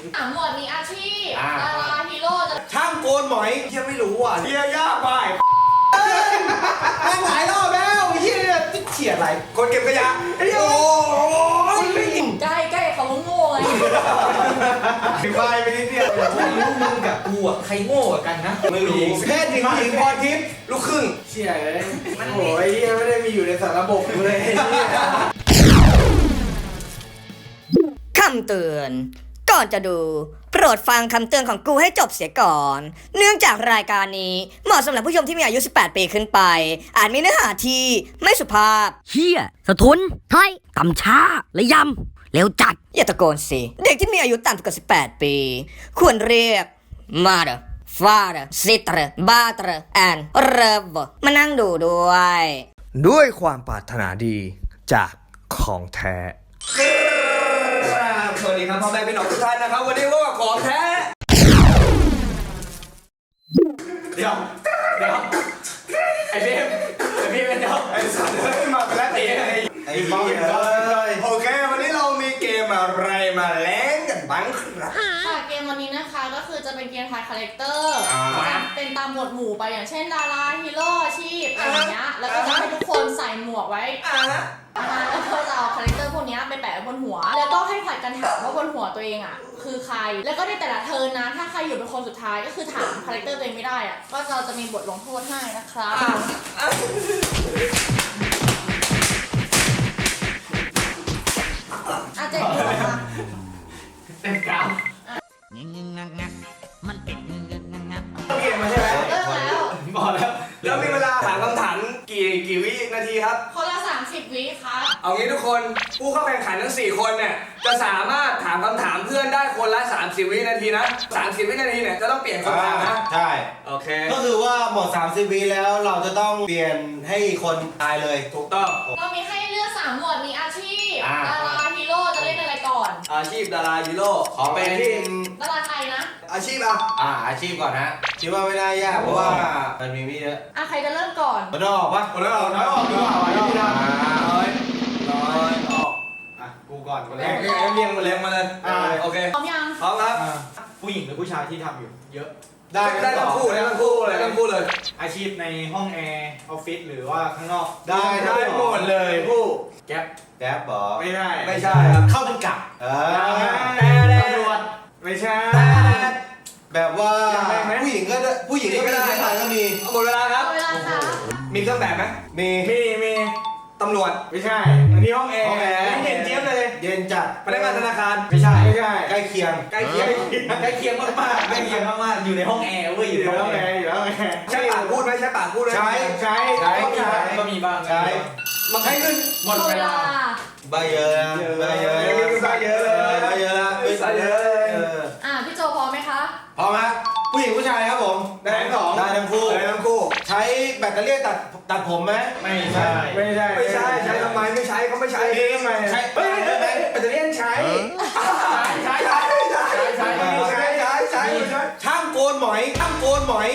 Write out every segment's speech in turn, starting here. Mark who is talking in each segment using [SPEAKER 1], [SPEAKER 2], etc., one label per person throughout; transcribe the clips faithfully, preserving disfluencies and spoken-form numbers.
[SPEAKER 1] อ่ะหมวดมีอาชีพดาราฮีโร่จะ
[SPEAKER 2] ช่างโกนหมอยเฮียไม่รู้อ่ะเฮียยากไปแม่งหลายรอบแล้วเฮียเนี่ยเฉียดอะไรคนเก็บขยะโอ้ยไม่ยิง
[SPEAKER 1] ใกล้ใกล้เขาว่าโง่ไง
[SPEAKER 2] ถึงไปไปนิดเดียว
[SPEAKER 3] ไม่รู้มึงกับกูอ่ะใครโง่กว่ากันนะ
[SPEAKER 2] ไม่รู้แพทย์หญิงหญิงพรทิพย์ลูกครึ่ง
[SPEAKER 3] เชี่ยเลย
[SPEAKER 2] โอ้ยเฮียไม่ได้มีอยู่ในสารระบบเลย
[SPEAKER 4] คำเตือนก่อนจะดูโปรดฟังคำเตือนของกูให้จบเสียก่อน เนื่องจากรายการนี้เหมาะสำหรับผู้ชมที่มีอายุ สิบแปด ปีขึ้นไป อาจมีเนื้อหาที่ไม่สุภาพ
[SPEAKER 5] เฮียสะทุนไทยต่ำช้าและยำเร็วจัด
[SPEAKER 4] อย่าตะโกนสิ เด็กที่มีอายุต่ำกว่า สิบแปด ปี ควรเรียก mother father sister brother and brother มานั่งดูด้วย
[SPEAKER 2] ด้วยความปรารถนาดีจากของแท้สวัสดีครับพ่อแม่พี่น้องทุกท่านนะครับวันนี้ก็ของแท้เดี๋ยวเดี๋ยวไอ้เบมไอ้เบมเดี๋ยวไอ้สัตว์เลยมาแล้วตีไอ้ไอ้บ้าเลยโอเควันนี้เรามีเกมอะไรมาเล่นกันบ้างครับ
[SPEAKER 1] ค่ะเกมวันนี้นะคะก็คือจะเป็นเกมทายคาแรคเตอร์เป็นตามหมวดหมู่ไปอย่างเช่นดาราฮีโร่อาชีพอะไรอย่างเงี้ยแล้วก็จะให้ทุกคนใส่หมวกไว้แล้วก็จะเอาคาแรคเตอร์พวกนี้ไปแปะไว้บนหัวแล้วก็ให้ผลัดกันถามว่าบนหัวตัวเองอ่ะคือใครแล้วก็ในแต่ละเทิร์นนะถ้าใครอยู่เป็นคนสุดท้ายก็คือถามคาแรคเตอร์ตัวเองไม่ได้อ่ะก็เราจะมีบทลงโทษให้นะครับอาเจ็ดหัวค่ะ
[SPEAKER 3] เต็มกราว
[SPEAKER 5] งึงงักงักมันเป็นงึงงักงัก
[SPEAKER 2] เกมมาใช่ไหม
[SPEAKER 1] เลิกแล้ว
[SPEAKER 3] บอกแล้ว
[SPEAKER 2] แล้วมีเวลาถามคำถามกี่กี่วินาทีครับ
[SPEAKER 1] คนละสามสิบวิครับ
[SPEAKER 2] เอางี้ทุกคนผู้เข้าแข่งขันทั้งสี่คนเนี่ยจะสามารถถามคำถามเพื่อนได้คนละสามสิบวินาทีนะสามสิบวินาทีเนี่ยจะต้องเปลี่ยนคำถามนะ
[SPEAKER 6] ใช่
[SPEAKER 2] โอเค
[SPEAKER 6] ก็คือว่าหมดสามสิบวิแล้วเราจะต้องเปลี่ยนให้คนตายเลย
[SPEAKER 2] ถูกต้อง
[SPEAKER 1] เรามีให้เลือกสามหมวดมีอาชีพ
[SPEAKER 6] อ่า
[SPEAKER 1] ดาราฮีโร่จะเล่นอะไรก่อน
[SPEAKER 2] อาชีพดาราฮีโร่ขอเป็น
[SPEAKER 1] ดาราไทยนะ
[SPEAKER 2] อาชีพอ่ะ
[SPEAKER 6] อ่าอาชีพก่อนนะคิดว่าไม่น่ายากเพราะว่ามันมีไม่เยอะ
[SPEAKER 1] อ่ะใครจะเริ่มก่อน
[SPEAKER 6] มันต้องออกปะ
[SPEAKER 2] คนละออกน้อยออกดีกว่าน้อยออกน้อยน้อยออก
[SPEAKER 6] อ่ะกูก่อนคน
[SPEAKER 2] แร
[SPEAKER 6] แร
[SPEAKER 2] ก
[SPEAKER 6] ก
[SPEAKER 2] เรียงมาเรียงมาเลยโอเค
[SPEAKER 1] พร้อมยัง
[SPEAKER 2] พร้อมครับ
[SPEAKER 3] ผู้หญิงหรือผู้ชายที่ทำอยู่เยอะ
[SPEAKER 6] ได้
[SPEAKER 2] ได้ทั้งคู่ได้ทั้งคู่เลยทั้งคู่เลย
[SPEAKER 3] อาชีพในห้องแอร์ออฟฟิศหรือว่าข้างนอก
[SPEAKER 6] ได้
[SPEAKER 2] ได้หมดเลยผู้
[SPEAKER 3] แก๊ป
[SPEAKER 6] แก๊ปบอ
[SPEAKER 3] ไม่ได้
[SPEAKER 2] ไม่ใช่ครับ
[SPEAKER 6] เข้าเป็นกะเออ
[SPEAKER 3] ตำรวจไม่ใช่
[SPEAKER 6] แบบว่า
[SPEAKER 3] ยังไงไหม
[SPEAKER 6] ผู้หญิงก็ได้ผู้หญิงก็ได้ผู้ชายก็มี
[SPEAKER 2] หมดเวลาครับ
[SPEAKER 1] เอาเวลาค่ะ
[SPEAKER 2] มีเครื่องแบบไหม
[SPEAKER 6] มี
[SPEAKER 3] มีมี
[SPEAKER 2] ตำรวจ
[SPEAKER 3] ไม่ใช่อันนี้ห้องแอร์
[SPEAKER 6] ห้องแอร์
[SPEAKER 3] ไม่เห็นเจี๊ยบเลย
[SPEAKER 6] เย็นจัด
[SPEAKER 2] พนักงานธนาคาร
[SPEAKER 3] ไม่ใช่ไม่ใช่
[SPEAKER 6] ใกล้เคียง
[SPEAKER 2] ใกล้เคียง
[SPEAKER 3] ใกล้เคียงมากๆใกล้เคียงมากๆอยู่ในห้องแอร์เว้ย
[SPEAKER 6] อยู่ในห้องแอร์อยู่ในห้องแอร์
[SPEAKER 2] ใช้ปากพูดไหมใช้ปากพูดไหม
[SPEAKER 6] ใช้
[SPEAKER 3] ใช้
[SPEAKER 6] ใช้
[SPEAKER 3] ก็มีบ้างก็มีบ้าง
[SPEAKER 6] ใช้
[SPEAKER 2] มันให้ขึ้น
[SPEAKER 3] หมดเวลา
[SPEAKER 6] ใบเยอะนะใบเยอะ
[SPEAKER 2] ใบเยอะเลย
[SPEAKER 6] ใบเยอะละ
[SPEAKER 2] ใบเยอะเลย
[SPEAKER 6] เออ
[SPEAKER 1] อ่ะพี่โจพร้อมไหมคะ
[SPEAKER 6] พร้อมไหมผู้หญิงผู้ชายครับผม
[SPEAKER 2] ได้ทั้งสอง
[SPEAKER 6] ได้ทั้งคู่
[SPEAKER 2] ได้ทั้งคู่
[SPEAKER 6] ใช้แบตเตอรี่ตัดตัดผมไหม
[SPEAKER 3] ไม่ใช่
[SPEAKER 6] ไม่ใช่
[SPEAKER 2] ไม่ใช่ใช้ทำไมไม่ใช้เขาไม่ใช้
[SPEAKER 3] ทำไม
[SPEAKER 6] ใช้
[SPEAKER 3] เฮ้ยเฮ้ยเฮ้ยแบตเตอรี่ใช้
[SPEAKER 2] ใช้ใช้ใช้ใช้ใช้ใช้ใช้ใช้ใช้
[SPEAKER 6] ช่างโกนหมอยช่างโกนหมอย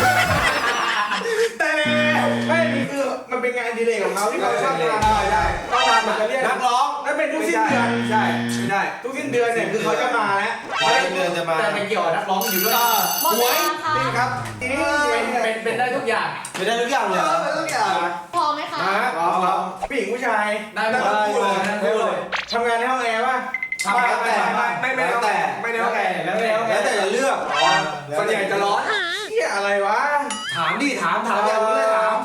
[SPEAKER 3] แต่ไม่นี่คือมันเป็นงานอดีเลยของเขาที่เขาชอบทำ
[SPEAKER 2] ได้ได้ต้องทำ
[SPEAKER 3] แบตเตอรี่
[SPEAKER 6] นักร้อง
[SPEAKER 3] แล้วเป็นทุกสิ้นเดือน
[SPEAKER 2] ใช่ไม่ได้
[SPEAKER 3] ทุกสิ้นเดือนเนี่ยคือเขาจะมาแล้ว
[SPEAKER 6] เดือนจะมา
[SPEAKER 3] แต่มันเกี่ยวกับนักร้องอยู่ด้วย
[SPEAKER 1] หมดเวลาค่ะ
[SPEAKER 2] นี่ครับ
[SPEAKER 3] เป็นเป็นเป็นได้ทุกอย่าง
[SPEAKER 6] ไม่ได้ทุกอย่างเลยเหรอ
[SPEAKER 2] ทุกอย่าง
[SPEAKER 1] พร้อมไหมคะ
[SPEAKER 3] อ๋อผู้หญิงผู้ชาย
[SPEAKER 2] ได้ทั้งคู่เลยทั้งคู่เลย
[SPEAKER 3] ทำงานในห้องแอร์ป่ะ
[SPEAKER 2] ทำแล้วแต่ไม่ไม่แล้วแต่ไม่แล้วแต่
[SPEAKER 3] แล้วแต่
[SPEAKER 6] แล้วแต่จะเลือก
[SPEAKER 2] ส่วนใหญ่จะร้อน
[SPEAKER 3] เฮียอะไรวะ
[SPEAKER 2] ถามดิถามถามอย่างนี้เลยถาม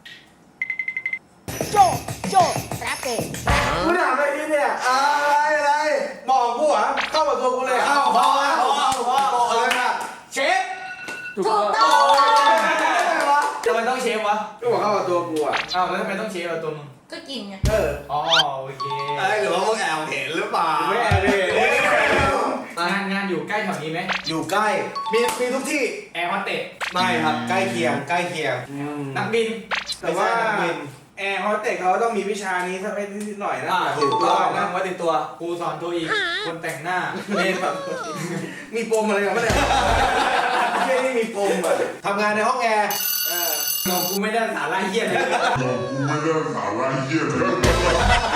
[SPEAKER 4] โจโจแรปเปอร์
[SPEAKER 3] กูถามอะไรนี่เนี่ย
[SPEAKER 2] อะไรอะไร
[SPEAKER 3] มองกูเหรอเข้ามาตัวกูเลย
[SPEAKER 6] เข้าพอแล้วพอพอพอเลยนะ
[SPEAKER 3] เชฟ
[SPEAKER 1] ถูกต้อง
[SPEAKER 3] ทำไมต้องเชฟวะก็บอกเข้ามาตัวกูอ่ะอ้าวแล้วทำไมต้องเชฟกับตัวมึง
[SPEAKER 1] ก็กินไง
[SPEAKER 3] เอออ๋อโอเค
[SPEAKER 2] ไอ้หรือว่าพวกแอบเห็นหรือเปล่า
[SPEAKER 3] ไม่แอบเลยงานงานอยู่ใกล้แถวนี้ไหม
[SPEAKER 6] อยู่ใกล้
[SPEAKER 2] มีมีทุกที่
[SPEAKER 3] แอร์ฮอสเตส
[SPEAKER 2] ไม่ครับ
[SPEAKER 6] ใกล้เคียงใกล้เคียง
[SPEAKER 3] นักบิน
[SPEAKER 6] แต่ว่านักบิน
[SPEAKER 3] แอร์ฮอสเตสเขาต้องมีวิชานี้สักนิดหน่อยนะ
[SPEAKER 2] อ่าถูกต้องนั่งไว้ในตัว
[SPEAKER 3] ครูสอนตัวอีกคนแต่งหน้าเล่นแบบ
[SPEAKER 2] มีปมอะไรกันไม่ได้
[SPEAKER 3] เฮียนี่มีปมอ่ะ
[SPEAKER 6] ทำงานในห้องแอร์
[SPEAKER 3] เออน้องกูไม่ได้สาระเฮียเลย
[SPEAKER 7] Não, mas é a lá,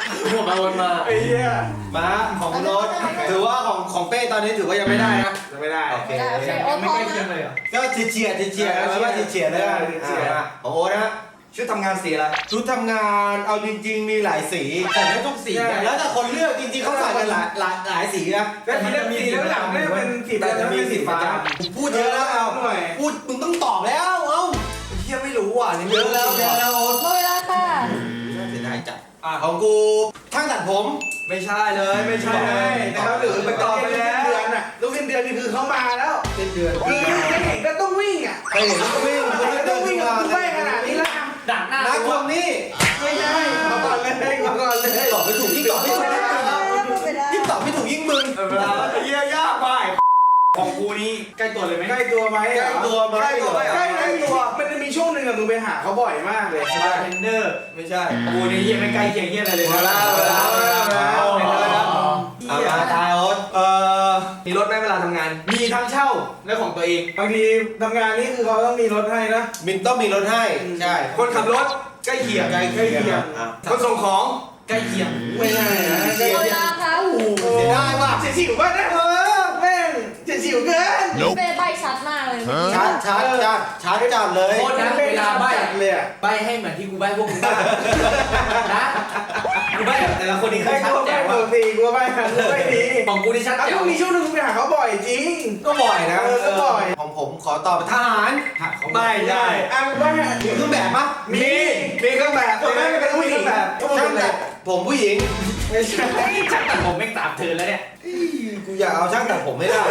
[SPEAKER 3] หัวมาวนมาไอ้เหี้ย
[SPEAKER 6] มาของโน้ตถือว่าของของเป้ตอนนี้ถือว่ายังไม่ได้นะ
[SPEAKER 3] จะไม่ได้
[SPEAKER 6] โอเค
[SPEAKER 1] ได้โอเคโอ๊ต
[SPEAKER 3] ไม่
[SPEAKER 1] พร้อ
[SPEAKER 3] ใกล้
[SPEAKER 1] ม
[SPEAKER 3] เคียง
[SPEAKER 1] นะ
[SPEAKER 3] เลยเหรอ
[SPEAKER 6] ก็เฉียดเฉียดเฉียดแล้วว่าเฉียดเลยอ่ะของโอ๊ตนะ
[SPEAKER 2] ชุดทำงานสีอะไร
[SPEAKER 6] ชุดทำงานเอาจริงๆมีหลายสี
[SPEAKER 3] แต่ไม่ทุกสี
[SPEAKER 6] แล้วแต่คนเลือกจริงๆเขาใส่กันหลายหลายหลายสีนะ
[SPEAKER 3] แต่มันจะมีสีแล้วหลังไม่เป็นสี
[SPEAKER 6] แต่จะมีสีฟ้าผมพูดเยอะแล้วเอาพูดมึงต้องตอบแล้วเอ้า
[SPEAKER 2] เฮียไม่รู้อ่ะนี่
[SPEAKER 6] เยอะแล้วเยอะแล้วโอ๊ต
[SPEAKER 1] หมดเวลาค่ะ
[SPEAKER 6] น่าเสียดายจัดอ่ะของกูช่างตัดผม
[SPEAKER 2] ไม่ใช่เลยไม่ใช่เลย
[SPEAKER 3] นะครับหรือไปต่อไปแล้วเดือนอ่ะลูกสิ้นเดือนนี่คือเขามาแล้ว
[SPEAKER 6] เป็นเดือน
[SPEAKER 3] คือไม่เห็นก็ต้องวิ่งอ่ะ
[SPEAKER 6] ไปเห็นก็วิ่งคนที่
[SPEAKER 3] ต้
[SPEAKER 6] เดิ
[SPEAKER 3] อง
[SPEAKER 6] น
[SPEAKER 3] วิ่ง
[SPEAKER 6] มา
[SPEAKER 3] กับกูไปขนาดนี้แล้วดักหน้า
[SPEAKER 6] นักคนนี้
[SPEAKER 3] ไม่ใช่มาก่อนเลยมาก่อนเลย
[SPEAKER 6] ตอบไม่ถูกยิ่งตอบไม่ถูกยิ่งตอบไม่ถูกยิ่งมึง
[SPEAKER 2] เวลาเฮียยากไปของกูนี่ใกล้ตัวเลยไหม
[SPEAKER 3] ใกล้ตัวไหม
[SPEAKER 6] ใกล้ตัวไหม
[SPEAKER 2] ใกล้ตัวไหม
[SPEAKER 3] ใกล้ใกล้ตัวมันจะมีช่วงหนึ่งอะมึงไปหาเขาบ่อยมากเลย
[SPEAKER 2] บาร์เทนเดอร์
[SPEAKER 6] ไม่ใช่
[SPEAKER 2] กูนี่เฮียไม่ใกล้เคียงเฮียอะไรเลย
[SPEAKER 6] เวลาเวลาเวลาเวลาเอามาทายโอ๊ต
[SPEAKER 2] เอ่อมีรถไหมเวลาทำงาน มีทั้งเช่าและของตัวเอง
[SPEAKER 3] บางทีทำงานนี่คือเขาต้องมีรถให้นะ
[SPEAKER 6] มินต้องมีรถให้ใช่
[SPEAKER 2] คนขับรถใกล้เคียง
[SPEAKER 6] ใกล้เคียงอ่ะ
[SPEAKER 2] คนส่งของใกล้เคียง
[SPEAKER 3] ไม่ใช่นะ
[SPEAKER 1] หมดเวลาค่ะโอ้โห
[SPEAKER 6] เสียดายว่ะ
[SPEAKER 3] เฉียดฉิวป่ะนะเออแม่งเฉียดฉิวเกิน
[SPEAKER 1] เป้ใบชัดมากเลย
[SPEAKER 6] ชาร์จชาร์จชาร์จชาร์จจัดเลย
[SPEAKER 2] โทษนะเวลาใบ้
[SPEAKER 3] เลยอะ
[SPEAKER 2] ใบ้ให้เหมือนที่กูใบ้พวกมึงบ้างนะกูใบ้แบบแต่ละคนนี่คือ
[SPEAKER 3] ไอ้
[SPEAKER 2] ชัด
[SPEAKER 3] กู
[SPEAKER 2] แจ๋
[SPEAKER 3] ไม่
[SPEAKER 2] ว
[SPEAKER 3] ป
[SPEAKER 2] อะ
[SPEAKER 3] กติกูไม่กูไม่ดี
[SPEAKER 2] ของกูนี่ชัด
[SPEAKER 3] อ่ะ
[SPEAKER 2] แจ๋
[SPEAKER 3] ช่
[SPEAKER 2] ว
[SPEAKER 3] วงนี้ช่วงนึงกูไปหาเขาบ่อยจริง
[SPEAKER 6] ก็บ่อยนะ
[SPEAKER 3] เออก็บ่อย
[SPEAKER 6] ของผมขอตอบทหาร
[SPEAKER 2] ไม่ได้
[SPEAKER 3] อ่ะว่า
[SPEAKER 6] มีเครื่องแบบปะ
[SPEAKER 2] มีมีเครื่องแบบ
[SPEAKER 3] ตัวแม่เป็นผู้หญิงแบบ
[SPEAKER 6] ช่างตัดผมผู้หญิง
[SPEAKER 3] ไม่ใช่
[SPEAKER 2] ช่างตัดผมไม่งตามเธอแล้วเนี่ย
[SPEAKER 6] กูอยากเอาช่างตัดผมไม่ได้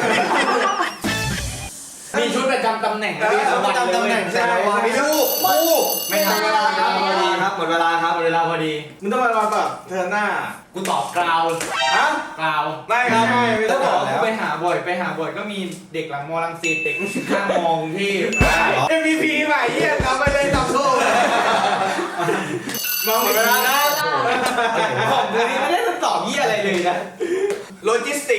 [SPEAKER 2] มีชุดประจำตำแหน่ง
[SPEAKER 6] มีเอาประจำตำแหน่งแต่ละวันมีลูกคู่
[SPEAKER 2] ไม่ทันเวลาครับหมดเวลาครับหมดเวลาครับหมดเวลาพอดี
[SPEAKER 3] มึงต้องมารอแบบเธอหน้า
[SPEAKER 2] กูตอบกราว
[SPEAKER 3] ฮะ
[SPEAKER 2] กราว
[SPEAKER 3] ไม่ครับไม่ไม่
[SPEAKER 2] ต้
[SPEAKER 3] ต้
[SPEAKER 2] อ
[SPEAKER 3] อง ง
[SPEAKER 2] บบ อ
[SPEAKER 3] อก ก
[SPEAKER 2] กูไปหาบ่อยไปหาบ่อยก็มีเด็กหลังมอลังสิตเด็กข้างมอกรุงเทพ
[SPEAKER 3] เอ็มวีพีใหม่เยี่ยมครับไปเลยตอบโซ่มอง
[SPEAKER 2] หม
[SPEAKER 3] หม
[SPEAKER 2] ด
[SPEAKER 3] ด
[SPEAKER 2] เว
[SPEAKER 3] เว
[SPEAKER 2] ลา
[SPEAKER 3] ลา
[SPEAKER 2] นะ
[SPEAKER 3] นะ
[SPEAKER 2] ของกูนี่ไม่ได้ตอบยี่อะไรเลยนะโลจิสติก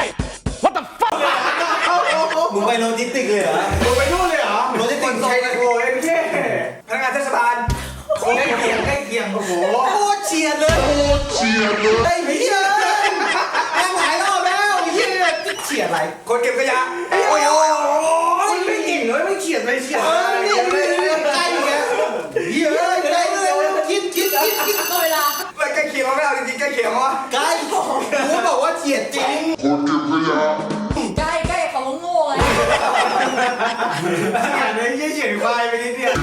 [SPEAKER 3] เอาเอาเอา
[SPEAKER 6] มึงไปโลจิสติกเลยเหรอ
[SPEAKER 3] มึงไปนู่นเลยเหรอ
[SPEAKER 6] โลจิสติก
[SPEAKER 3] ใช่โอ้ยเท่
[SPEAKER 2] พนักงานเทศบาลใกล้เคียงใกล้เคียงโอ้โห
[SPEAKER 6] โคตรเฉียดเลยโคตรเฉียดเลยไอ้เหี้ยแม่งหลายรอบแล้วไอ้เหี้ยเฉียดอะไร
[SPEAKER 2] คนเก็บขยะ
[SPEAKER 6] โอ้ยโอ้ย
[SPEAKER 3] มันไม่เก่งเลยไม่เขียนไปเขียน
[SPEAKER 6] เออนี่นี่ใกล้อยู่แล้วเหี้ยใกล้เลยคิดคิดคิดคิด
[SPEAKER 1] หมดเวลา
[SPEAKER 2] ไม่ใกล้เคียงเขาไม่เอาจริงๆใกล้เคียงเขาว่า
[SPEAKER 6] ใกล้กูบอกว่าเฉียดจริง
[SPEAKER 1] ใกล้ใกล้เขาว่าโง่ไง
[SPEAKER 3] เขียนเลยยี่เขียนควายไปนิดเดียว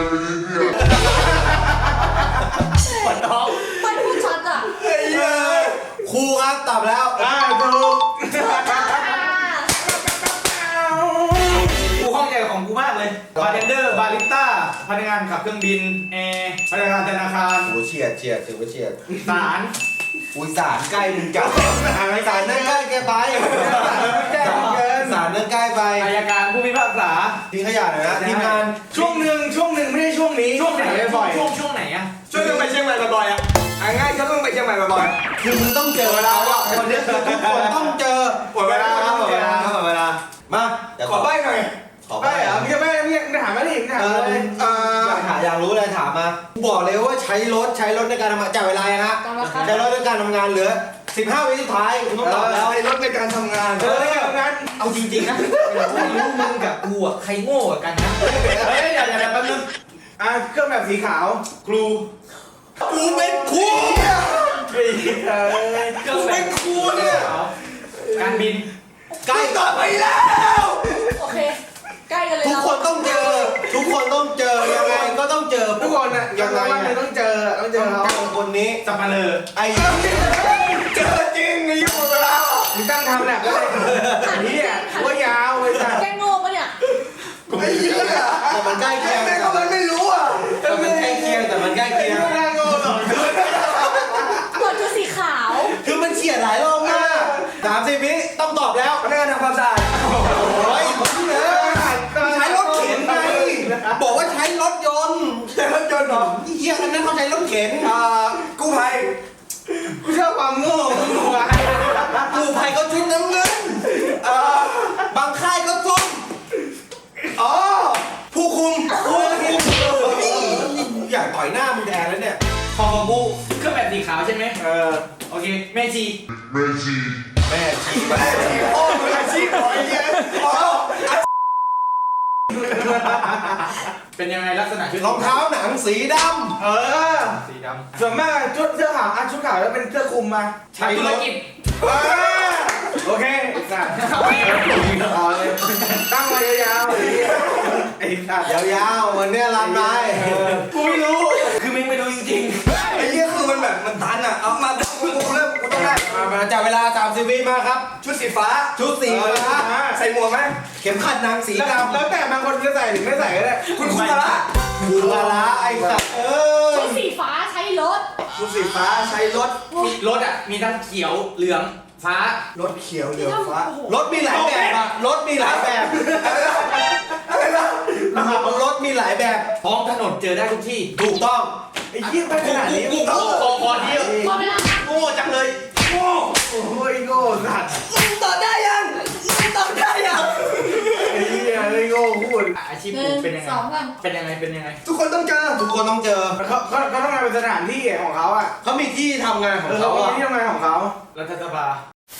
[SPEAKER 2] ปวดท้อง
[SPEAKER 1] ไม่พูดชัดอ่ะ
[SPEAKER 6] ครูครับตอบแล้ว
[SPEAKER 3] อ่าถูก
[SPEAKER 2] กูข้องใจกับของกูมากเลยบาร์เทนเดอร์บาริสต้าพนักงานขับเครื่องบินแอร์พนักงานธนาคาร
[SPEAKER 6] โอ้เฉียดเฉียดถือว่าเฉียด
[SPEAKER 2] ศาล
[SPEAKER 6] อุ้ยสารใกล้มึงจับสารนั่นใกล้แกไป
[SPEAKER 3] แจ้งเกิน
[SPEAKER 6] สารนั่นใกล้ไป
[SPEAKER 2] อายการผู้พิพากษา
[SPEAKER 6] ทิ้งขยะหน่อยนะทีมงาน
[SPEAKER 3] ช่วงหนึ่งช่วงหนึ่งไม่ใช่ช่วงนี้
[SPEAKER 2] ช่วงไหน
[SPEAKER 3] บ่อย
[SPEAKER 2] ช่วงช่วงไหนอะ
[SPEAKER 3] ช่วงหนึ่งไปเชียงใหม่บ่อยๆอ่ะอ่ะง่ายก็ต้องไปเชียงใหม่บ่อย
[SPEAKER 6] คือมึงต้องเจอเวลาว่าคนนี้คือทุกคนต้องเจอ
[SPEAKER 3] หมดเวลาครับหมดเวลา
[SPEAKER 6] หมดเวลามาเดี๋ยว
[SPEAKER 3] ๆขอใบ้หน่อย
[SPEAKER 6] ขอ
[SPEAKER 3] ใบ้เหรอพี่จะใบ้พี่จะถามมาดิพี่ถาม
[SPEAKER 6] เอ
[SPEAKER 3] มา
[SPEAKER 6] อ
[SPEAKER 3] เลย
[SPEAKER 6] เอออยากถามอยากรู้เลยถามมาบอกเลยว่าใช้รถใช้รถในการทำงานจ่ายเวลานะฮะ
[SPEAKER 1] จำแล้วครับ
[SPEAKER 6] ใช้รถในการทำงานเหลือสิบห้าวิสุดท้ายคุณต้องตอบแล้ว
[SPEAKER 3] ใช้รถในการทำงานใช้รถในการทำงาน
[SPEAKER 2] เอาจริงๆนะไม่รู้มึงกับกูอะใครโง่กว่ากันนะเฮ้ยเดี๋ยวเดี๋ยวแป๊บนึง
[SPEAKER 3] อ่ะเครื่องแบบสีขาว
[SPEAKER 2] ครู
[SPEAKER 6] กูเป็นครู
[SPEAKER 3] เฮ้ยเอ้ย
[SPEAKER 6] กูเป็นครูเนี่ย
[SPEAKER 2] การบิน
[SPEAKER 6] ใกล้ต่อไปแล้ว
[SPEAKER 1] โอเค ใกล้กันเลย
[SPEAKER 6] ทุก
[SPEAKER 1] เรา
[SPEAKER 6] คนต้องเจอ ทุกคนต้องเจอยังไงก็ต้องเจอ
[SPEAKER 3] ทุกคนอ่ะยังไงเลยต้องเจอต้องเจ
[SPEAKER 6] ต้
[SPEAKER 3] อ
[SPEAKER 6] อง
[SPEAKER 3] เขา
[SPEAKER 6] เจอคนนี้
[SPEAKER 2] สับปะเลอ
[SPEAKER 6] ไอ้
[SPEAKER 3] เจอจริงไอ้ยุ่งเวลามึงตั้งทำแลบแล้วเลยนี่อ่ะว่ายาวไอ้สัส
[SPEAKER 1] แกโง่ปะเนี่ย
[SPEAKER 3] ไอ้เหี้ย
[SPEAKER 6] แต่มันใกล้เคียง
[SPEAKER 3] แต่ก็มันไม่รู้อ่ะ
[SPEAKER 6] แต่มันใกล้เคียงแต่มันใกล้เคียง
[SPEAKER 3] ไม่น่าโง่หรอก
[SPEAKER 1] หมวดชุดสีขาว
[SPEAKER 6] คือมันเฉียดหลายรอบมากสามสิบวิต้องตอบแล้ว
[SPEAKER 3] พนักงานทำความสะอาด
[SPEAKER 6] โอ้ยพี่เนอใช้รถเข็นไงบอกว่าใช้รถยนต์
[SPEAKER 3] ใช้รถยนต์เหรอ
[SPEAKER 6] เฮียอันนั้นเขาใช้รถเข็น
[SPEAKER 3] อ่ากู้ภัยกูชอบความโง่ของกูอ่ะ
[SPEAKER 6] กู้ภัยเขาชุดน้ำเงินเอ่อบางค่ายก็ส้ม
[SPEAKER 3] อ๋อ
[SPEAKER 6] ผู้คุมผู้คุมอยากต่อยหน้ามึงแดงแล้วเนี่ย
[SPEAKER 2] ของของกูเครื่องแบบสีขาวชี
[SPEAKER 3] แม่ชีแม่ชีโอ้มืออาชีพหน่อยเนี่ยอ๋อ
[SPEAKER 2] เป็นยังไงลักษณะชุด
[SPEAKER 3] รองเท้าหนังสีดำเออ
[SPEAKER 2] สีดำ
[SPEAKER 3] ส่วนมากชุดเสื้อขาวอ่ะชุดขาวแล้วเป็นเสื้อคลุมมา
[SPEAKER 2] ทำธุรกิจ
[SPEAKER 3] เออโอเคสัตว์เอาเลยตั้งไว้ยาวๆเลยไอ้สัตว์ยาวๆวันเนี้ยรันไป
[SPEAKER 2] กูไม่รู้คือมึงไม่รู้จริง
[SPEAKER 3] ไอ้เหี้ยคือมันแบบมันตันอ่ะเอามากูกูเริ่มกูต้องได้มามาจับเวลาสามสิบวิมาครับ
[SPEAKER 2] ๆชุดสีฟ้า
[SPEAKER 3] ชุดสีฟ้า
[SPEAKER 2] ใส่หมวกไหม
[SPEAKER 3] เข็มขัดนางสีดำแล้วแต่บางคนจะใส่หรือไม่ใส่ก็ได้
[SPEAKER 2] คุณคุณละ
[SPEAKER 3] คุณละละไอ้สัตว์เออ
[SPEAKER 1] ชุดสีฟ้าใช้รถ
[SPEAKER 3] ชุดสีฟ้าใช้รถ
[SPEAKER 2] มีรถอ่ะมีทั้งเขียวเหลืองฟ้าร
[SPEAKER 3] ถเขียวเหลืองฟ้ารถมีหลายแบบอะรถมีหลายแบบอะไรนะรถมีหลายแบบ
[SPEAKER 2] ท้องถนนเจอได้ทุกที่
[SPEAKER 3] ถูกต้องไอ้เหี้ยไปขนาดนี้
[SPEAKER 2] กูกูกูพอเดียว
[SPEAKER 1] หมดเวลา
[SPEAKER 2] โง่จังเลยโง่
[SPEAKER 3] โอ้ยโง่สัตว์
[SPEAKER 4] ตอบได้ยังตอบได้ยัง
[SPEAKER 3] ไอ้เหี้ยไอ้โง่พูด
[SPEAKER 2] อาชีพ
[SPEAKER 1] ห
[SPEAKER 2] กู
[SPEAKER 1] นึ่ง
[SPEAKER 2] เป็นยังไง
[SPEAKER 1] สองสาม
[SPEAKER 2] เป็นยังไงเป็นยังไง
[SPEAKER 3] ทุกคนต้องเจอทุกคนต้องเจอเขาเขาเขาทำงานเป็นสถานที่ของเขาอ่ะเขามีที่ทำงานของเขาอ่ะที่ทำงานของเขา
[SPEAKER 2] รัฐสภา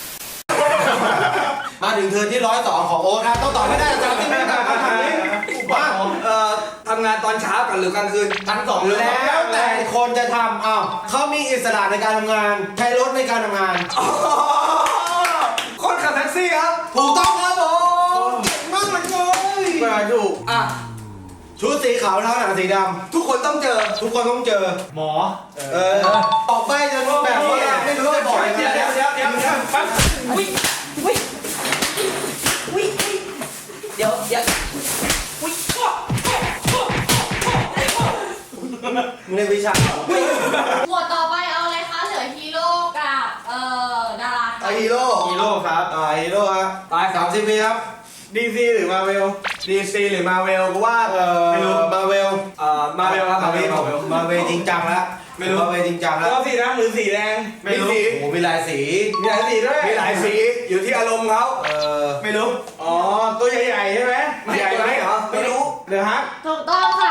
[SPEAKER 3] มาถึงเทิร์นที่ร้อยสองของโอ๊ตครับต้องตอบให้ได้อาจารย์ที่ไม่ตอบคำถามนี้ว่าเอ่อทำงานตอนเช้ากันหรือกลางคืน
[SPEAKER 2] ทั้งสอง
[SPEAKER 3] แล้วแต่คนจะทำอ้าวเขามีอิสระในการทำงานใช้รถในการทำงาน
[SPEAKER 2] คนขับแท็กซี่ครับ
[SPEAKER 3] ถูกต้องครับผมเก่งมากเลยมาถูก
[SPEAKER 2] อ่ะ
[SPEAKER 3] ชุดสีขาวเท้าหนังสีดำทุกคนต้องเจอ ทุกคนต้องเจอ
[SPEAKER 2] หมอ
[SPEAKER 3] เออออกไปจนแบบว่าไม่รู้จะบอกยังไง
[SPEAKER 2] เดี๋ยวเดี๋ยวเดี๋ยวเดี๋ยวปั๊บ
[SPEAKER 4] วิวิวิเดี๋ยวเดี๋ยววิ
[SPEAKER 3] มึงเรียนวิชาเหรอ
[SPEAKER 1] หมวดต่อไปเอาอะไรคะ เหลือฮีโร่กับเอ่อดารา
[SPEAKER 3] เอาฮีโร่
[SPEAKER 2] ฮีโร่ครับ
[SPEAKER 3] อ่าฮีโร่ครับ
[SPEAKER 2] ตาย
[SPEAKER 3] สามสิบปีครับดีซีหรือมาเวล
[SPEAKER 2] ดีซีหรือมาเวลกูว่า
[SPEAKER 3] เอ่อ
[SPEAKER 2] ไม่รู้
[SPEAKER 3] มาเวล
[SPEAKER 2] เอ่อมาเวลครับ
[SPEAKER 3] มาเวล
[SPEAKER 2] มาเวล
[SPEAKER 3] มาเวลจริงจังแล้ว
[SPEAKER 2] ไม่รู้
[SPEAKER 3] มาเวลจริงจังแล้ว
[SPEAKER 2] ก็สีดำหรือสีแดงไม่รู้
[SPEAKER 3] โอ้โหมีหลายสี
[SPEAKER 2] มีหลายสีด้วยมีหลายสีอยู่ที่อารมณ์เขา
[SPEAKER 3] เออ
[SPEAKER 2] ไม่รู้
[SPEAKER 3] อ๋อตัวใหญ่ๆใช่ไหม
[SPEAKER 2] ใหญ่ไหมเหรอไม่รู้
[SPEAKER 3] เดี๋ยวฮะ
[SPEAKER 1] ถูกต้องครับ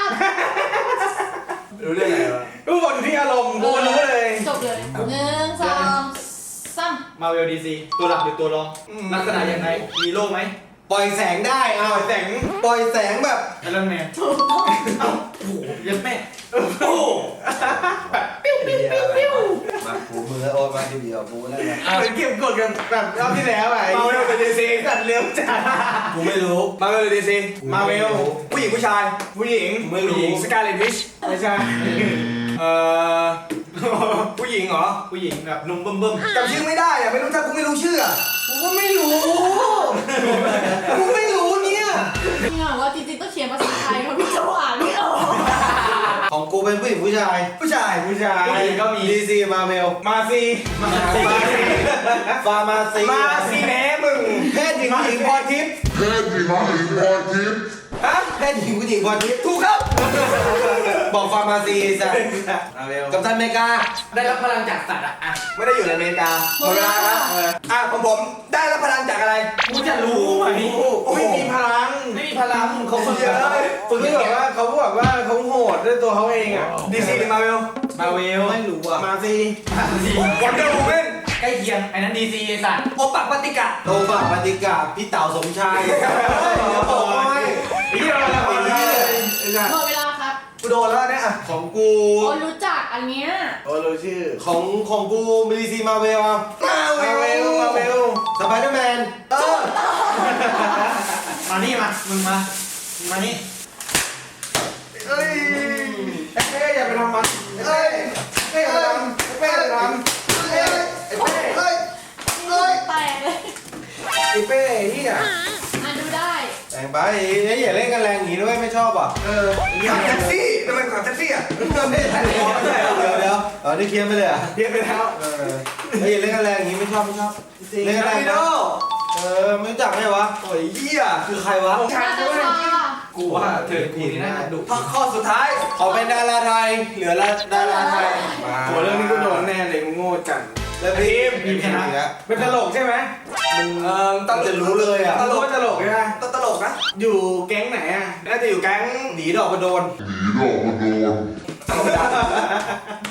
[SPEAKER 3] รู้เรื่องอะไรวะ
[SPEAKER 2] ทุกคนที่อารมณ์กูก็รู้เลย
[SPEAKER 1] จบเลยหนึ่งสองสาม
[SPEAKER 2] มาเวลดีซีตัวหลักหรือตัวรองลักษณะยังไงมีโล่ไหม
[SPEAKER 3] ปล่อยแสงได้เอา
[SPEAKER 2] แสง
[SPEAKER 3] ปล่อยแสงแบบ
[SPEAKER 2] ไอรอนแมน
[SPEAKER 1] ถูกต้อง
[SPEAKER 2] เอ้าโอ้โหเยันแม่โอ้โหแบบปิ้วปิ้วปิ้วปิ้ว
[SPEAKER 3] มาผูมือโอ้มาทีเดียวผูแล้วนะ
[SPEAKER 2] เหมือนเก็บกดกันแบบรอบที่แล้วอะมาเวลเป็นดีซีสัตว์เลี้ยงจัด
[SPEAKER 3] กูไม่รู้
[SPEAKER 2] มาเวลดีซี
[SPEAKER 3] กู
[SPEAKER 2] มา
[SPEAKER 3] ไม่
[SPEAKER 2] เว
[SPEAKER 3] รู้
[SPEAKER 2] ลผู้หญิงผู้ชาย ผู้หญิง
[SPEAKER 3] กูไม่รู้
[SPEAKER 2] ผู้หญิงสกาเลตวิชไม่ใช่เอ่อผู้หญิงเหรอผู้หญิงแบบนุ่มบึ้มบึ้ม
[SPEAKER 3] จำชื่อไม่ได้อะไม่รู้ถ้ากูไม่รู้ชื่ออะ
[SPEAKER 2] กูก็ไม่รู้
[SPEAKER 3] กูไม่รู้เนี่ย
[SPEAKER 1] จริงเหรอว่าจริงๆต้องเขียนภาษาไทยเพราะพี่จะอ่านไม่ออก
[SPEAKER 3] ของกูเป็นผู้หญิงผู้ชาย
[SPEAKER 2] ผู้ชายผู้ชายผู้หญิงก็มี
[SPEAKER 3] ดีซีมาเวล
[SPEAKER 2] มาซีมาซี
[SPEAKER 3] ฟาร์มาซี
[SPEAKER 2] มาซีแหนมึง
[SPEAKER 3] แพทย์หญิงผู้หญิงพรทิพย์
[SPEAKER 7] แค่ที่มาถึงพอทิพย์
[SPEAKER 3] ฮะแพทย์หญิงผู้หญิงพรทิพย์ถูกครับบอกฟาร์มาซีจ้ะ
[SPEAKER 2] มาเวล
[SPEAKER 3] กัปตันอเมริกา
[SPEAKER 2] ได้รับพลังจากสัตว์อะอ่ะ
[SPEAKER 3] ไม่ได้อยู่ในอเมริกา
[SPEAKER 1] หมดเวลาครับ
[SPEAKER 3] เอออ่ะของผมได้รับพลังจากอะไร
[SPEAKER 2] กูจะรู้ไหม
[SPEAKER 3] ไม่มีพลัง
[SPEAKER 2] ไม่มีพลังเขาฝึก
[SPEAKER 3] เยอะฝึกที่แบบว่าเขาบอกว่าเขาโหดด้วยตัวเขาเองอ่ะ
[SPEAKER 2] ดีซีหรือมาเวลมาเวล
[SPEAKER 3] ไม่รู้อ่ะมาซี
[SPEAKER 2] วันเดอร์วูแมนใกล้เคียงไอ้นั้นดีซีไอ้สัตว์โอปักปฏิกะ
[SPEAKER 3] โตบะปฏิกาพี่เต่าสมชายโอ้ย
[SPEAKER 2] ไอ้ที่เราเราคนนี้เลย
[SPEAKER 1] หมดเวลาครับ
[SPEAKER 3] กูโดนแล้วเนี่ยของกู
[SPEAKER 1] โอ้รู้จักอันเนี้ย
[SPEAKER 3] โอ้รู้ชื่อของของกูมีดีซีมาเวลมาเวลมาเวลสไปเดอร์แมนเออ
[SPEAKER 2] มานี่มามึงมามึงมานี่
[SPEAKER 3] เอ้ยไอ้เป้อย่าไปทำมันเอ้ยเป้อย่าไปทำไอ้เป้อย่าไปทำเอ้ยไอ้เป้เอ้ยเอ้ย
[SPEAKER 1] แตกเลย
[SPEAKER 3] ไอ้เป้เฮีย
[SPEAKER 1] อ่านดูได้
[SPEAKER 3] แต่งไปไอ้อย่าเล่นกันแรงอย่างนี้ด้วยไม่ชอบอ่ะเออขับแท็กซี่ทำไมขับแท็กซี่อ่ะไม่ได้เดี๋ยวเดี๋ยวอ๋อนี่เคลียร์ไปเลยอ่ะ
[SPEAKER 2] เรียกไปแล้ว
[SPEAKER 3] เออไอ้อย่าเล่นกันแรงอย่างนี้ไม่ชอบไม่ชอบเล่นกันแรงนะเออไม่รู้จักไหมวะโอ้ยเฮียคือใครวะ
[SPEAKER 1] นาตาชา
[SPEAKER 2] กูว่าเธอกูนี่น่าจะดุ
[SPEAKER 3] ข้อสุดท้ายขอเป็นดาราไทยเหลือละดาราไทย
[SPEAKER 2] โหเรื่องนี้กูโดนแน่เลยกูโง่จัง
[SPEAKER 3] แล้วทีมทีมชนะ
[SPEAKER 2] เป็นตลกใช่ไหม
[SPEAKER 3] มึงเออต้องจะรู้เลยอ่ะ
[SPEAKER 2] ตลกตลกใช่ไหม
[SPEAKER 3] ต้องตลกนะ
[SPEAKER 2] อยู่แก๊งไหนอ่ะน่าจะอยู่แก๊ง
[SPEAKER 3] หนีดอกกระโดน
[SPEAKER 7] หนีดอกมาโดน
[SPEAKER 3] แ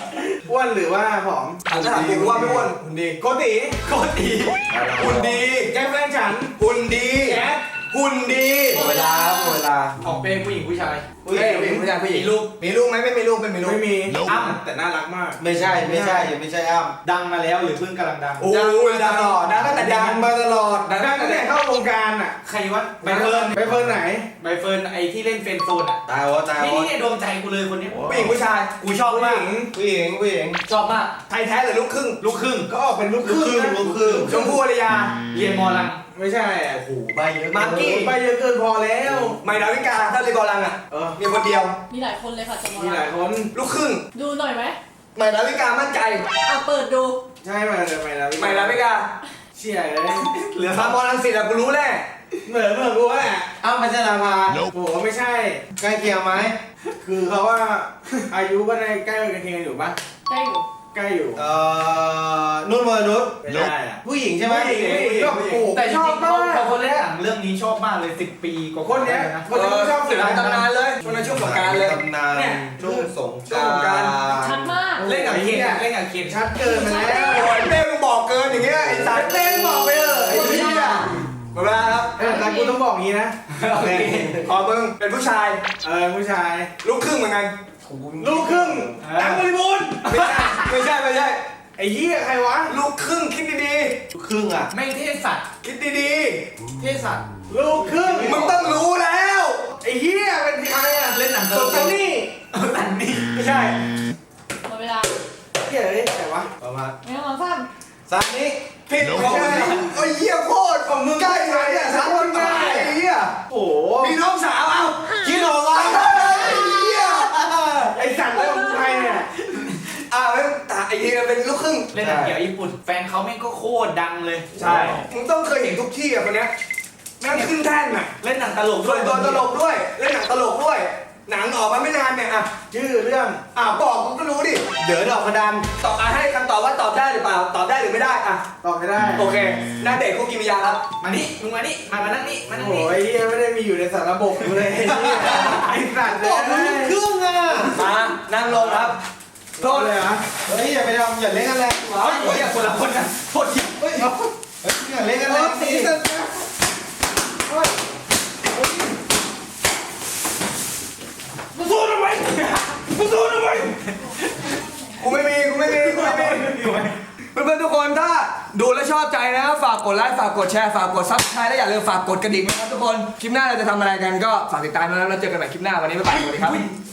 [SPEAKER 3] อ้วนหรือว่าผอม
[SPEAKER 2] ถามถามกูว่าไม่อ้วนหุ่นดี
[SPEAKER 3] โกติ
[SPEAKER 2] โคตรดีหุ่นดี
[SPEAKER 3] แจ็คแฟนฉัน
[SPEAKER 2] หุ่นดี
[SPEAKER 3] แจ๊ด
[SPEAKER 2] หุ่นดี
[SPEAKER 3] หมดเวลาหมดเวลา
[SPEAKER 6] ออกเป็นผู้หญิงผู้ชาย
[SPEAKER 2] ผู้หญิงผู้หญิงผู้ชายผู้หญิง
[SPEAKER 6] มีลูก
[SPEAKER 2] มีลูกไหมไม่มีลูกไม่มีลูก
[SPEAKER 3] ไม่มี
[SPEAKER 6] อ้ำแต่น่ารักมาก
[SPEAKER 3] ไม่ใช่ไม่ใช่ยังไม่ใช่อ้ำ
[SPEAKER 6] ดังมาแล้วหรือเพิ่งกำลังดัง
[SPEAKER 2] โอ้ยดังตลอดดังตั้งแต่
[SPEAKER 3] ดั
[SPEAKER 2] ดั
[SPEAKER 3] ง
[SPEAKER 2] ง
[SPEAKER 3] มาตลอด
[SPEAKER 6] ดัง
[SPEAKER 3] ดังตั้งแต่เข้าวงการอ่ะ
[SPEAKER 6] ใครวะใบเฟิร์น
[SPEAKER 3] ไปเฟิร์นไหน
[SPEAKER 6] ใบเฟิร์นไอที่เล่นเฟรนด์โซนอ่ะ
[SPEAKER 3] ตายวะตาย
[SPEAKER 6] นี่
[SPEAKER 3] วะ
[SPEAKER 6] นี่ดวงใจกูเลยคนนี้
[SPEAKER 2] ผู้หญิงผู้ชาย
[SPEAKER 6] กูชอบ
[SPEAKER 3] ผู้ห
[SPEAKER 6] มาก
[SPEAKER 3] ญิงผู้หญิงผู้หญิง
[SPEAKER 6] ชอบมาก
[SPEAKER 2] ไทยแท้หรือลูกครึ่ง
[SPEAKER 6] ลูกครึ่ง
[SPEAKER 3] ก็ออกเป็นลูกครึ่งนะ
[SPEAKER 6] ลูกครึ่ง
[SPEAKER 2] ชมพู่อารยา
[SPEAKER 6] เรียนมอลัง
[SPEAKER 3] ไม่ใช่
[SPEAKER 6] โอ้โหใบเยอะ
[SPEAKER 2] มากกี้
[SPEAKER 3] ไปเยอะเกินพอแล้ว
[SPEAKER 2] ใหม่ดาวิกาถ้าเรียนบอลลังอ่ะ
[SPEAKER 3] เออ
[SPEAKER 2] มีคนเดียว
[SPEAKER 1] มีหลายคนเลยค่ะจะมอง
[SPEAKER 3] มีหลายคน
[SPEAKER 2] ลูกครึ่ง
[SPEAKER 1] ดูหน่อยไหม
[SPEAKER 2] ใหม่ดาวิกามั่นใจ
[SPEAKER 1] อ่ะเปิดดู
[SPEAKER 3] ใช่ไหมเดี๋ยวไปแล้ว
[SPEAKER 2] ใหม่ดาวิกา
[SPEAKER 3] เชี่ยเลย
[SPEAKER 2] เหลือสามบอลลังสิตอะกูรู้แน่
[SPEAKER 3] เหมือนเหมือนกูแหละอ้าวพัชราภาโอ้โหไม่ใช่ใกล้เคียงไหมคือเขาว่าอายุก็ในใกล้กันเคียงอยู่ปะ
[SPEAKER 1] ได้อยู่
[SPEAKER 3] ใกล้อยู่เอ่อนุ่นวรนุชไม่ได้อะผู้หญิงใช่ไหม
[SPEAKER 2] ผู้หญิงผู้หญิง
[SPEAKER 3] ก็โอ้โห
[SPEAKER 6] แต่จ
[SPEAKER 3] ช
[SPEAKER 6] ริ
[SPEAKER 3] อบ
[SPEAKER 6] งๆ
[SPEAKER 3] มา
[SPEAKER 6] เขา
[SPEAKER 3] ก
[SPEAKER 6] เขาคนเล่นหนังเรื่องนี้ชอบมากเลยสิบปีกว่า
[SPEAKER 3] คนเนี้ย
[SPEAKER 6] นะ
[SPEAKER 3] คนนี้ชอบ
[SPEAKER 2] หนังตำนานเลยช่วงนั้นช่วงสงกรารเลย
[SPEAKER 3] ตำนาน
[SPEAKER 6] เนี่ย
[SPEAKER 3] ช่วงสง
[SPEAKER 2] ช่วงสงกรานต์
[SPEAKER 1] ชัดมาก
[SPEAKER 6] เล่นกับเคนเล่นกับเคน
[SPEAKER 3] ชัดเกินมาแล้ว
[SPEAKER 2] โอ้ยเต้มึงบอกเกินอย่างเงี้ยไอ้สารเต้มึงบอกไปเถอะไอ้เหี้ยหมดเวลาครับ
[SPEAKER 3] เออแต่กูต้องบอกงี้นะ
[SPEAKER 2] โอเคขอมึงเป็นผู้ชาย
[SPEAKER 3] เออผู้ชาย
[SPEAKER 2] ลูกครึ่งเหมือนกัน
[SPEAKER 3] ลูกครึ่งดังบริบูรณ์
[SPEAKER 2] ไม่ใช่ไม่ใช่ไม่ใช่
[SPEAKER 3] ไอ้เหี้ยใครวะ
[SPEAKER 2] ลูกครึ่งคิดดี
[SPEAKER 3] ลูกครึ่งอ่ะ
[SPEAKER 6] แม่งเทศสัตว์
[SPEAKER 2] ๆคิดดี
[SPEAKER 6] เทศสัตว์
[SPEAKER 3] ลูกครึ่ง
[SPEAKER 2] ๆมึงต้องรู้แล้ว
[SPEAKER 3] ไอ้เหี้ยเป็นใครอ่ะ
[SPEAKER 6] เล่นหนัง
[SPEAKER 3] สดซันนี่
[SPEAKER 6] สันนี่
[SPEAKER 2] ไม่ใช่
[SPEAKER 1] หมดเวลา
[SPEAKER 3] เหี้ยเลยใครวะประมาณ
[SPEAKER 1] ไม่ต้องมาซ้
[SPEAKER 3] ซันนี่
[SPEAKER 2] ผิดของมึงโอ้ยเหี้ยโคตรของมึงใกล้ไหมเนี่ยสามคนง่ายไอ้เหี้ย
[SPEAKER 3] โอ้โห
[SPEAKER 2] มีน้องสาวเอา
[SPEAKER 3] คิดออกวะ
[SPEAKER 2] ไอ้เหี้ย
[SPEAKER 3] ไอ้สัตว์แล้วมึงใครเนี่ย
[SPEAKER 2] อ่าแล้วตาไอ้เหี้ยเป็นลูกครึ่ง
[SPEAKER 6] เล่นหนังเกี่ยวกับญี่ปุ่น แฟนเขาแม่งก็โคตรดังเลย
[SPEAKER 3] ใช่
[SPEAKER 2] มึงต้องเคยเห็นทุกที่อ่ะคนเนี้ยแม่งขึ้นแท่นอ่ะ
[SPEAKER 6] เล่นหนังตลกด้
[SPEAKER 2] ส่
[SPEAKER 6] ว
[SPEAKER 2] วย นตัวตลกด้วย เล่นหนังตลกด้วย หนังออกมาไม่นานเนี่ยอ่ะ
[SPEAKER 3] ชื่อเรื่อง
[SPEAKER 2] อ่ะบอกกูก็รู้ดิ
[SPEAKER 3] เด๋อดอกกระดาน
[SPEAKER 2] ตอบอ่ะให้คำตอบว่าตอบได้หรือเปล่า ตอบได้หรือไม่ได้อ่ะ
[SPEAKER 3] ตอบไม่ได้
[SPEAKER 2] โอเคหน้าเด็กคุกกิมิยาครับ
[SPEAKER 6] มานี่มึงมานี่มามานั่งนี่มานั่ง
[SPEAKER 3] โอ้
[SPEAKER 6] นี่
[SPEAKER 3] ยเหี้ยไม่ได้มีอยู่ในสารระบบกูเลยไอ้เหี้ยไอ้สัตว์เลย
[SPEAKER 2] บอกมึงเครื่องอ่ะ มานั่งลงครับ
[SPEAKER 3] โทษเลยเหรอเฮ้ยอย่าไปทำอย่าเล่นกันแรง
[SPEAKER 6] เฮ้ยเฮ้ยคนละคนกันโทษที
[SPEAKER 3] เฮ้ยอย่าเล่นกันแรงสิเฮ้ย
[SPEAKER 6] มึงสู้ทำไมมึงสู้ทำไม
[SPEAKER 2] กูไม่มี กูไม่มี กูไม่มี เพื่อนๆทุกคนถ้าดูและชอบใจนะฝากกดไลค์ฝากกดแชร์ฝากกดซับสไครต์และอย่าลืมฝากกดกระดิ่งนะครับทุกคน คลิปหน้าเราจะทำอะไรกันก็ฝากติดตามนะครับแล้วเจอกันใหม่คลิปหน้าวันนี้บ๊ายบายสวัสดีครับ